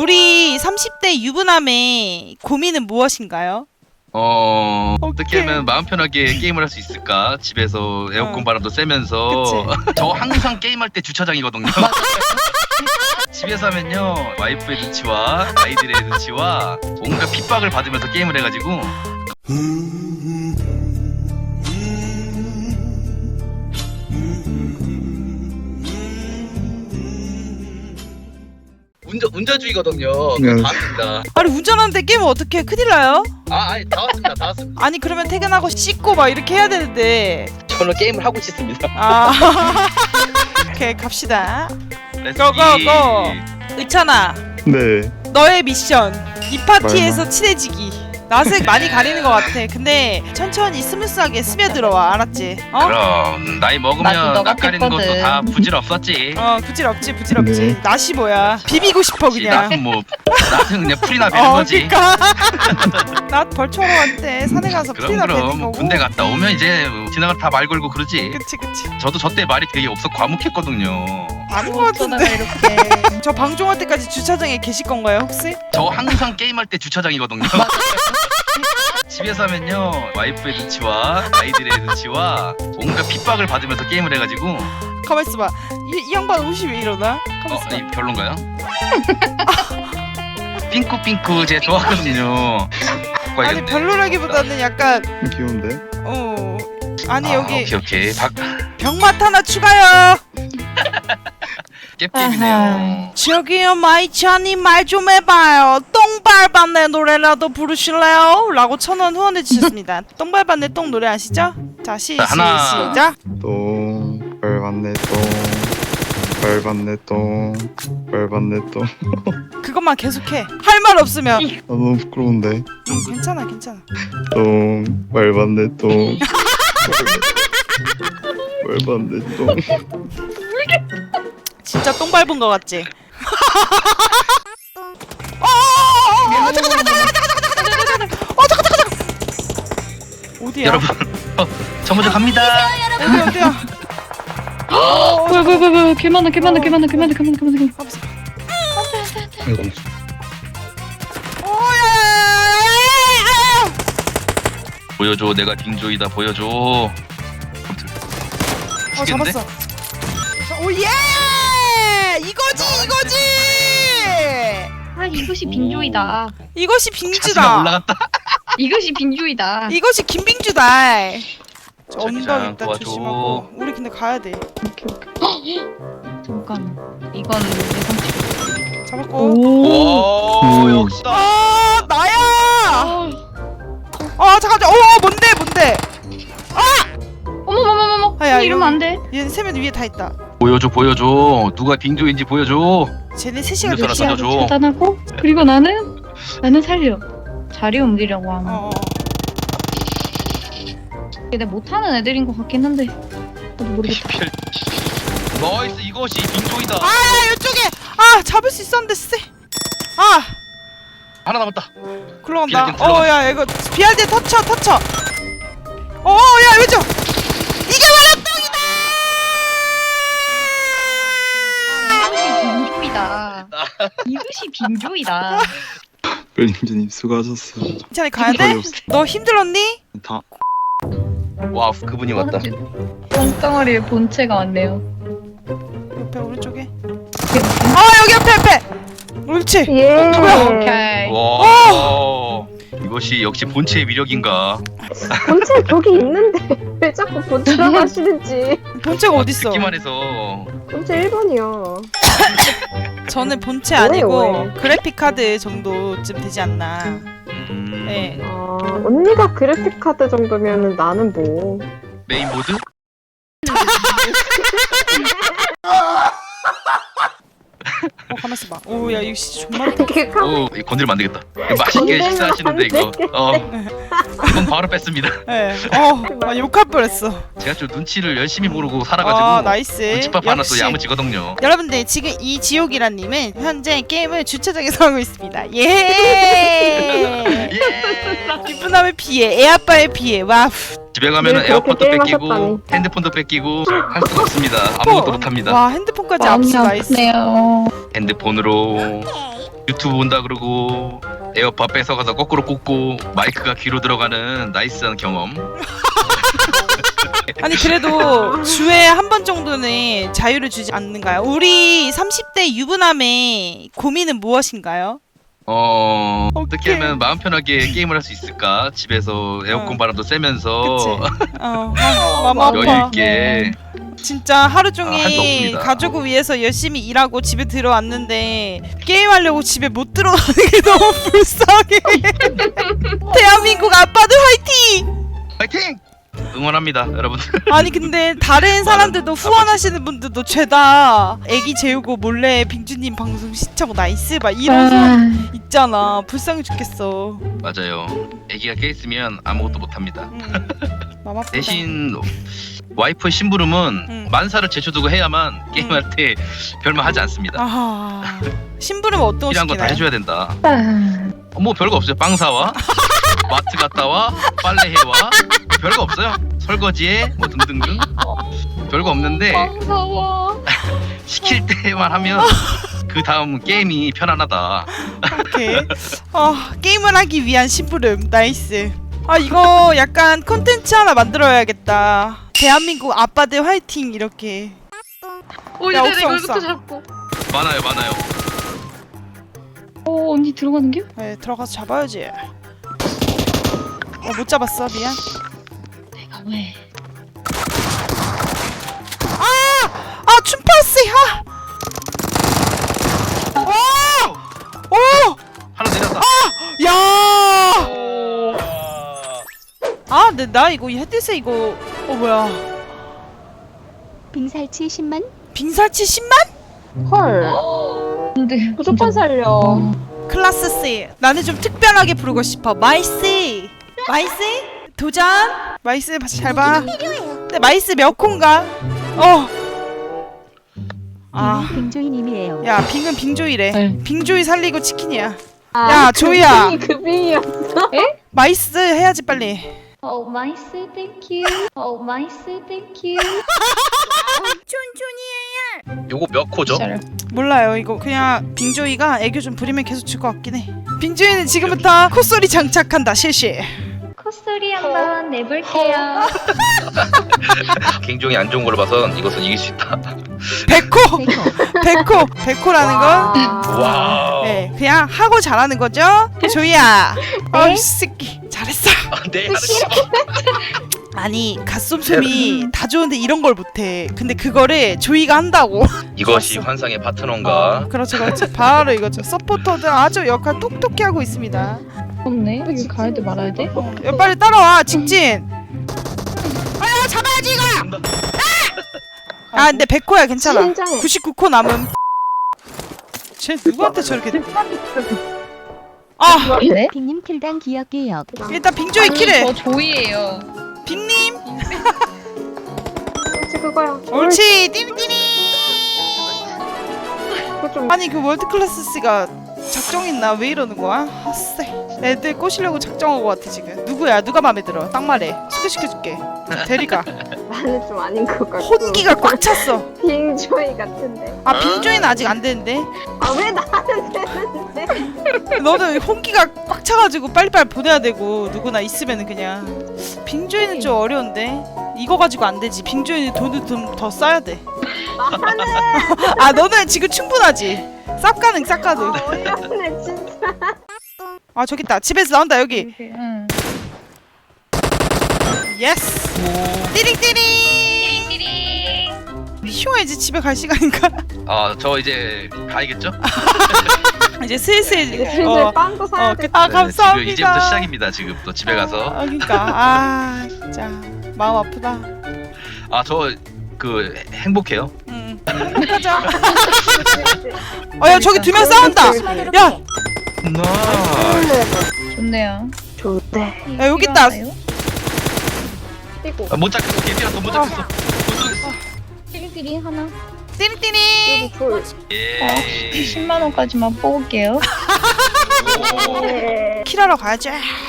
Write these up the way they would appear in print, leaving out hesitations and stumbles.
우리 30대 유부남의 고민은 무엇인가요? 어떻게 하면 마음 편하게 게임을 할 수 있을까? 집에서 에어컨 바람도 쐬면서. 저 항상 게임할 때 주차장이거든요. 집에서 하면요, 와이프의 눈치와 아이들의 눈치와 뭔가 핍박을 받으면서 게임을 해가지고. 운전주의거든요. 다 왔습니다. 아니 운전하는데 게임을 어떻게 해? 큰일 나요? 아니 다 왔습니다. 아니 그러면 퇴근하고 씻고 막 이렇게 해야 되는데. 저는 게임을 하고 싶습니다. 아 오케이 갑시다. 렛츠기. 고고고. 의찬아, 네. 너의 미션 이 파티에서 친해지기. 낯을 많이 가리는 것 같아. 근데 천천히 스무스하게 스며들어와. 알았지? 어? 그럼 나이 나도 먹으면 너가 낯가리는 것도 했거든. 다 부질없었지. 부질없지. 네. 낯이 뭐야? 비비고 싶어 그냥. 낯은 뭐 낯은 그냥 풀이나 베는 거지. 그니까 나 벌초로 왔대. 산에 가서 풀이나 베는 그럼 거고. 군대 갔다 오면 이제 지나가 다 말 걸고 그러지. 그치 저도 저 때 말이 되게 없어 과묵했거든요. 아닌 것 어쩌다가 같은데. 이렇게 저 방종할 때까지 주차장에 계실 건가요 혹시? 저 항상 게임할 때 주차장이거든요. 집에서 하면요, 와이프의 눈치와 아이들의 눈치와 뭔가 핍박을 받으면서 게임을 해가지고. 가만 있어봐. 이 양반 옷이 왜 이러나? 가만 있어봐. 이 별론가요? 핑크핑크 제가 좋아하거든요. 아니 별로라기보다는 약간 귀여운데? 아니 여기 오케이. 병맛 하나 추가요. 깹깹이네요. 저기요 마이찬이 말 좀 해봐요. 똥발반내 노래라도 부르실래요? 라고 1,000원 후원해 주셨습니다. 똥발반내 똥 노래 아시죠? 자 하나. 시작. 똥, 빨반내 똥, 빨반내 똥, 빨반내 똥. 그것만 계속해. 할 말 없으면. 아, 너무 부끄러운데. 괜찮아. 똥, 빨반내 똥. 빨반내 똥. 진짜 똥 밟은 거 같지? 잠깐. 어디야? 여러분, 저 먼저 갑니다. 어디야? 뭐야 개 많아 가만있어. 아이고. 보여줘, 내가 빙조이다. 보여줘. 죽겠는데? 잡았어. 오예! 이거지. 아 이것이 빙조이다. 이것이 차수가 빙주다. 올라갔다. 이것이 빙조이다. 이것이 김빙주다. 저 언덕 자기장 일단 도와줘. 조심하고. 우리 근데 가야 돼. 오케이. 잠깐. 이건 예상치. 잡았고. 오. 오, 역시다. 나야. 잠깐. 뭔데? 어머머머머머. 아, 야, 이러면 안 돼. 얘 세면 위에 다 있다. 보여줘. 누가 빙조인지 보여줘. 쟤네 셋이가 음료수 하나 몇이야? 던져줘. 차단하고 그리고 나는 살려. 자리 옮기려고 하면. 얘네 못하는 애들인 것 같긴 한데. 나도 모르겠다. 나이스, 이것이 빙조이다. 이쪽에. 잡을 수 있었는데 쎄. 하나 남았다. 굴러간다. 비알디 굴러간다. 야 이거 비알디 터쳐. 야 왼쪽. 이게 바로 똥이다. 이것이 빙조이다. 이것이 빙조이다. 벨님주님 수고하셨어요. 괜찮아 가야 돼? 거의 없어. 너 힘들었니? 다 와, 그분이 왔다. 똥덩어리에 본체가 왔네요. 옆에 오른쪽에. 여기 옆에. 옳지. 오케이. 와, 이것이 역시 본체의 위력인가. 본체 저기 있는데 왜 자꾸 본체라고 하시는지. 본체가 어딨어? 듣기만 해서. 본체 1번이요. 저는 본체 왜, 아니고 왜? 그래픽 카드 정도쯤 되지 않나. 네. 언니가 그래픽 카드 정도면은 나는 뭐. 메인보드? 가만있어 봐. 야 이거 진짜 존나. 이게 카 오, 이거 건드리면 안 되겠다. 이거 맛있게 건들면 식사하시는데 안 이거. 이건 바로 뺐습니다. 네. 욕할 뻔했어. 제가 좀 눈치를 열심히 모르고 살아가지고. 나이스. 눈치밥 하나 또 역시. 야무지거든요. 여러분들 지금 이 지옥이라님은 현재 게임을 주차장에서 하고 있습니다. 예. 예. 기쁜함의 피해, 애아빠의 피해. 와우. 집에 가면은 늘 그렇게 에어팟도 뺏기고 게임하셨다니. 핸드폰도 뺏기고 할 수가 없습니다. 아무것도 못합니다. 와 핸드폰까지 마음이 압수 나이스. 아프네요. 핸드폰으로 유튜브 본다 그러고 에어팟 뺏어가서 거꾸로 꽂고 마이크가 귀로 들어가는 나이스한 경험. 아니 그래도 주에 한 번 정도는 자유를 주지 않는가요? 우리 30대 유부남의 고민은 무엇인가요? 어떻게 하면 마음 편하게 게임을 할 수 있을까? 집에서 에어컨 바람도 쐬면서 그치? 마음 아파. 여유 있게. 진짜 하루 할수 종일 없습니다. 가족을 위해서 열심히 일하고 집에 들어왔는데 게임하려고 집에 못 들어가는 게 너무 불쌍해. 대한민국 아빠들 화이팅! 파이팅! 응원합니다, 여러분들. 아니 근데 다른 사람들도 후원하시는 분들도 죄다 애기 재우고 몰래 빙주님 방송 시청하고 나이스 막 이런 사람 있잖아. 불쌍해 죽겠어. 맞아요. 아기가 깨 있으면 아무것도 못 합니다. 맘 아프다. 대신 와이프의 심부름은 만사를 제쳐두고 해야만 게임할 때 별말 하지 않습니다. 아하. 심부름은 어떤 거 필요한 거 다 시키나요? 해줘야 된다. 뭐 별거 없어요. 빵 사와, 마트 갔다 와, 빨래 해와, 별거 없어요. 설거지해, 뭐 등등등. 별거 없는데 무서워. 시킬 때만 하면 그 다음 게임이 편안하다. 오케이. 게임을 하기 위한 심부름 나이스. 이거 약간 콘텐츠 하나 만들어야겠다. 대한민국 아빠들 화이팅 이렇게. 오, 야, 이제 없어, 이거부터 없어. 잡고. 많아요, 많아요. 오, 언니 들어가는 게? 네, 들어가서 잡아야지. 못 잡았어 미안. 내가 왜? 춤파스 오! 하나 내렸다. 야! 근데 나 이거 헤드셋 이거 뭐야? 빙살치 10만? 빙살치 10만? 헐. 근데 무조건 살려. 클라스 C. 나는 좀 특별하게 부르고 싶어. 마이스. 마이스? 도전. 마이스 잘 봐. 근데 마이스 몇 콘가? 빙조이님이에요. 야, 빙은 빙조이래. 네. 빙조이 살리고 치킨이야. 야, 조이야. 그 빙이었어. 마이스 해야지 빨리. 오 마이스 땡큐. 오 마이스 땡큐. 요거 몇 코죠? 몰라요. 이거 그냥 빙조이가 애교 좀 부리면 계속 줄 것 같긴 해. 빙조이는 지금부터 콧소리 장착한다. 실시. 콧소리 한번 내볼게요. 개인종이 안 좋은 걸로 봐선 이것은 이길 수 있다. 백호라는 건 와우. 네, 그냥 하고 잘하는 거죠? 조이야. 이 새끼 잘했어. 네. 아니 갓솜솜이 다 좋은데 이런 걸 못해. 근데 그거를 조이가 한다고. 이것이 환상의 파트너인가? 그렇죠. 바로 이거죠. 서포터들 아주 역할 똑똑히 하고 있습니다. 없네. 여기 가야 돼 말아야 돼? 야, 빨리 따라와 직진. 잡아야지 이거. 근데 100코야 괜찮아. 진정해. 99코 남음. 쟤 누구한테 저렇게? 네? 빙님 킬당 기억기억. 일단 빙조이 키를. 저 조이예요. 빙님. 그렇지 그거야. 옳지 띠리띠리. 그거 좀. 아니 그 월드클래스가 작정했나? 왜 이러는 거야? 아쎄. 애들 꼬시려고 작정한 거 같아 지금. 누구야? 누가 마음에 들어? 딱 말해. 소개시켜줄게. 대리가. 나는 좀 아닌 것 같고. 혼기가 꽉 찼어. 빙조이 같은데. 빙조이는 아직 안 되는데. 왜 나는 되는데? 너는 혼기가 꽉 차가지고 빨리빨리 보내야 되고 누구나 있으면은 그냥. 빙조이는 좀 어려운데. 이거 가지고 안 되지. 빙조이는 돈을 좀 더 써야 돼. 너는 지금 충분하지. 쌉가능 쌉가능. 어이없네 진짜. 저기 있다. 집에서 나온다 여기. 응. 예스. 띠링띠링. 휴 이제 집에 갈 시간인가? 저 이제 가야겠죠? 이제 슬슬 이제 슬슬 빵도 사야 돼. 감사합니다. 지금 이제부터 시작입니다. 지금 또 집에 가서. 그러니까 진짜 마음 아프다. 저 그 행복해요. 행복하죠. 야 저기 두 명 싸운다. 야, 좋네요. 좋대. 야 여기 있다. 뛰고. 못 잡겠어. 개피라서 못 잡겠어. 못 잡겠어. 띠리띠리 하나. 띠리띠리. 여기 둘. 예. 10만 원까지만 뽑을게요. 네. 킬하러 가야지.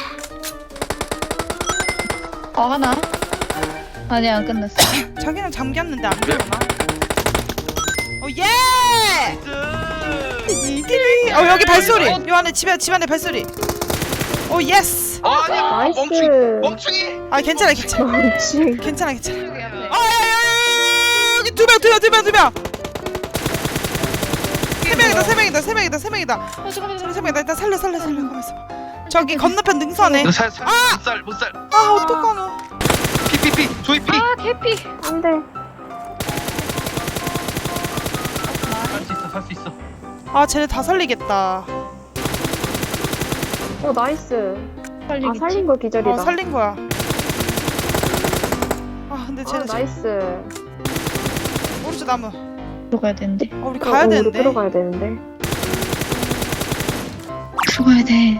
하나. 아니 안 끝났어. 자기는 잠겼는데 안 되나? 예! 이들이 여기 발소리. 요 안에 집 안에 발소리. 오 예스. 아니 나이스. 멍충이. 아 괜찮아 괜찮아. 멈치. 괜찮아 괜찮아. 여기 앞에. 여기 두 명. 세 명이다. 세 명이다. 일단 살려. 가만있어. 저기 건너편 능선에. 못살. 아 어떡하노. 피. 조이 피. 아 개피. 안 돼. 살 수 있어. 아 쟤네 다 살리겠다. 나이스. 살리겠지. 살린 거 기절이다. 살린 거야. 아 근데 쟤네 나이스. 오른쪽 나무. 들어가야 되는데. 우리 가야 우리 되는데. 들어가야 되는데. 들어가야 돼.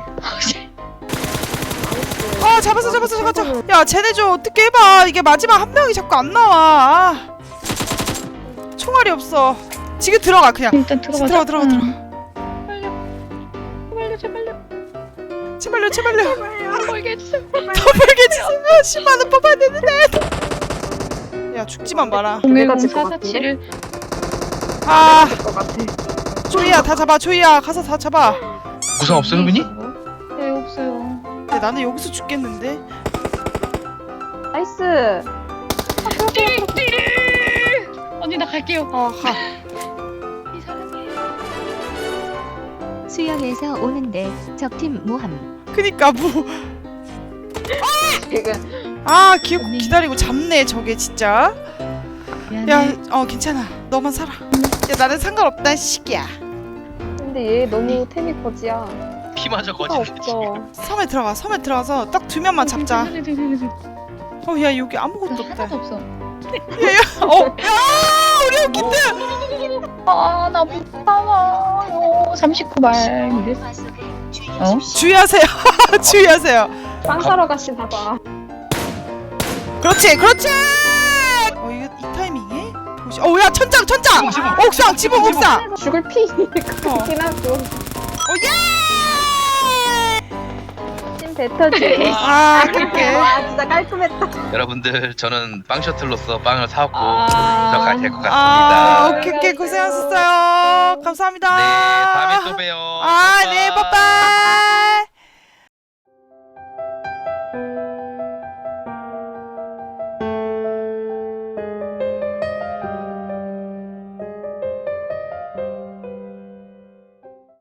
아 잡았어. 야 쟤네 좀 어떻게 해봐. 이게 마지막 한 명이 자꾸 안 나와. 아. 총알이 없어. 지금 들어가 그냥. 일단 들어가자. 들어가. 제발요. 멀게 해주세요. 더 벌게 주세요. 10만 원 뽑아야 되는데. 야 죽지만 마라. 010 447을 아 것 같아. 조이야 다 잡아. 조이야 가서 다 잡아. 구상 없어 효빈이? 네 없어요. 근데 나는 여기서 죽겠는데. 나이스. 언니 나 갈게요. 가. 이 사람이. 수영에서 오는데 적팀 모함. 그니까 뭐. 지금 아 기다리고 잡네 저게 진짜. 미안해. 야 괜찮아. 너만 살아. 야 나는 상관없다 시기야. 근데 얘 너무 템이 거지야. 피마저 피가 거짓네 없어. 섬에 들어가서 딱 두 명만 잡자. 야 여기 아무것도 없다. 하나도 없어. 야 우리 여기인데. 아나 무서워요. 39발. 어? 주의하세요. 주의하세요. 빵 사러 가시 봐봐. 그렇지. 이거 이 타이밍에? 야 천장. 옥상 지붕 옥상. 죽을 피 그렇긴 하고. 예! 찐 뱉어지. 아 그렇게. 와 진짜 깔끔했다. 여러분들 저는 빵 셔틀로서 빵을 사왔고 아. 들어가야 될 것 같습니다. 오케이 고생하셨어요. 감사합니다. 네 다음에 또 봬요. 네 빠빠이.